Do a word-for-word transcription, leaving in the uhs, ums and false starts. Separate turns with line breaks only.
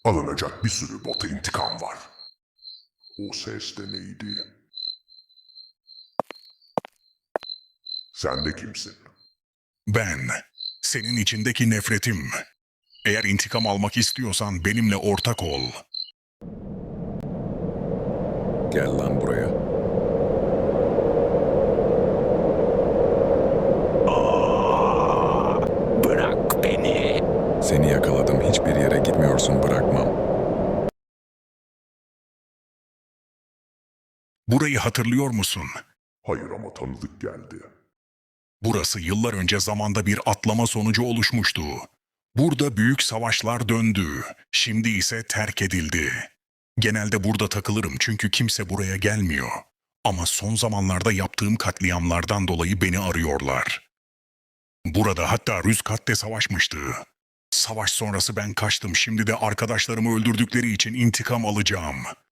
Alınacak bir sürü bota intikam var. O ses de neydi? Sen de kimsin?
Ben, senin içindeki nefretim. Eğer intikam almak istiyorsan benimle ortak ol.
Gel lan buraya.
Bırak beni.
Seni yakaladım. Hiçbir yere gitmiyorsun. Bırakmam.
Burayı hatırlıyor musun?
Hayır ama tanıdık geldi.
Burası yıllar önce zamanda bir atlama sonucu oluşmuştu. Burada büyük savaşlar döndü. Şimdi ise terk edildi. Genelde burada takılırım çünkü kimse buraya gelmiyor. Ama son zamanlarda yaptığım katliamlardan dolayı beni arıyorlar. Burada hatta Rüzkat de savaşmıştı. Savaş sonrası ben kaçtım. Şimdi de arkadaşlarımı öldürdükleri için intikam alacağım.